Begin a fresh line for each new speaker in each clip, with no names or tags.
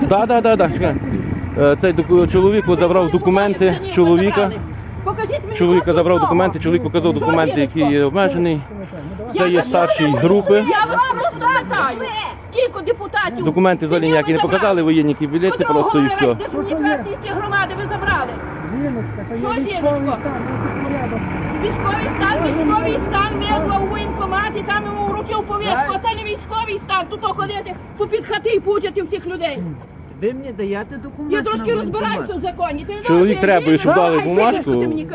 Так. Цей чоловік забрав документи чоловіка. Чоловіка забрав документи, чоловік показав документи, які є обмежений. Це є старші групи.
Я вам розкатаю. Скільки депутатів?
Документи взагалі ніякі не показали, воєнні білети просто і все.
Держадміністрації чи громади ви забрали? Що жіночко? Військовий стан визвав у воєнкомат і там йому вручив повістку. А це не військовий стан, тут ходити попід хати і пучати всіх людей.
Ви мені даєте документи?
Я трошки розбираюся в законі.
Чоловік требує, щоб дали бумажку.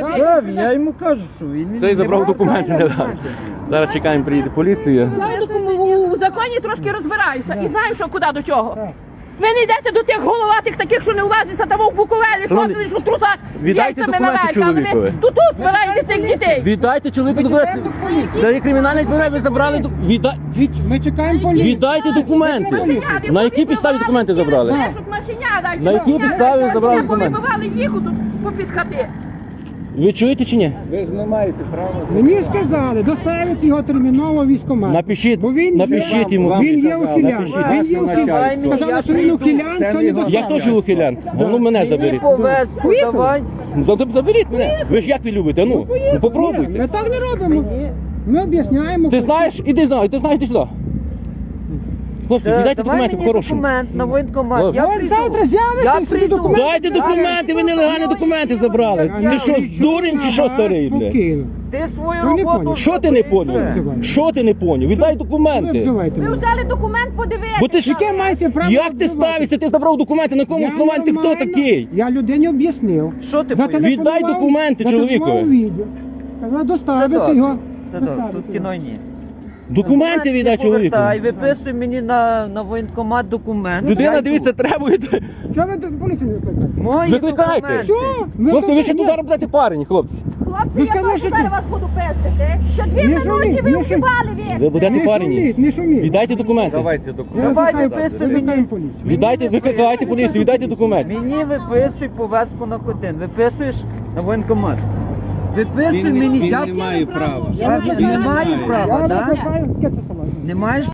Я йому кажу, що він...
Цей забрав документи, не дав. Зараз чекаємо, приїде поліція.
Я у законі трошки розбираюся і знаю, що куди до чого. Ви не йдете до тих головатих таких, що не влазиться там у Буковелі, ходили, що в трусах з
віддайте
яйцями
документи
на велька, а
чоловікові.
ви тут збираєте цих дітей.
Віддайте чоловіку документи. Це є кримінальне відповідальність, ви забрали
Ми чекаємо поліцію.
Віддайте документи. На якій підставі документи забрали? На якій підставі забрали документи?
Вибивали їх тут попід хати.
Ви чуєте чи ні?
Ви ж не маєте права.
Мені сказали доставити його терміново в військкомат.
Напишіть
Він
йому.
Він є ухилян. Він є ухилян. Сказали, що він ухилян, це не
Я
доставить.
теж ухилян. Ну мене заберіть.
Повестку давай.
Заберіть мене. Ви ж як ви любите? Ну попробуйте.
Ми так не робимо. Ми об'ясняємо.
Ти знаєш? Іди сюди. Хлопці, віддайте
Давай
документи
мені
по-хорошому.
документ на воєнкомат.
Хлопці.
Я
От
прийду.
завтра з'явиться і собі документи.
Дайте документи, ви нелегальні документи забрали. Ти що, дурень чи що старий, блядь?
Спокійно.
Ти свою
Ви не
роботу...
поняли.
Що ти не поняв?
Обзивайте.
Що ти не поняв? Віддай
Ви
документи.
обзивайте
Ви
мене.
взяли документ, подивитися.
Бо ти ж
Яке маєте право
як ти
обзивати?
ставишся? Ти забрав документи, на якому основанні ти хто
нормально.
такий?
Я людині об'яснив.
Що ти
Зателефонував,
Віддай документи
зателефонував
чоловікові.
відео. Сказав доставити
Садок.
його.
Садок,
Доставити
тут
його.
кіно ні.
Документи віддай чоловіку.
Повертай, виписуй мені на воєнкомат документ.
Людина,
Я
дивіться,
йду.
требує.
Чого ви до поліції не викликаєте?
Мої
Викликайте.
документи.
Що?
Хлопці, ви ще
Ні.
туди робите парені, хлопці.
Хлопці,
Ви
я
сказали,
теж
що
зараз
ці-
вас буду пестити. Що 2
Не
минути
шуміть,
ви
не
вживали
Ви
від.
будете
Не
парені.
шуміть, не шуміть.
Віддайте документи.
Давайте
Я
документи. Давай
викликаю
виписуй
викликаю
мені.
поліцію.
Віддайте, викликайте поліцію, віддайте документи.
Мені виписуй повестку на котин. Виписуєш на воєнкомат. Виписуй мені.
Він не має права.
Я не маю
Я
права, так?
викликаю, яке це саме?
Не маєш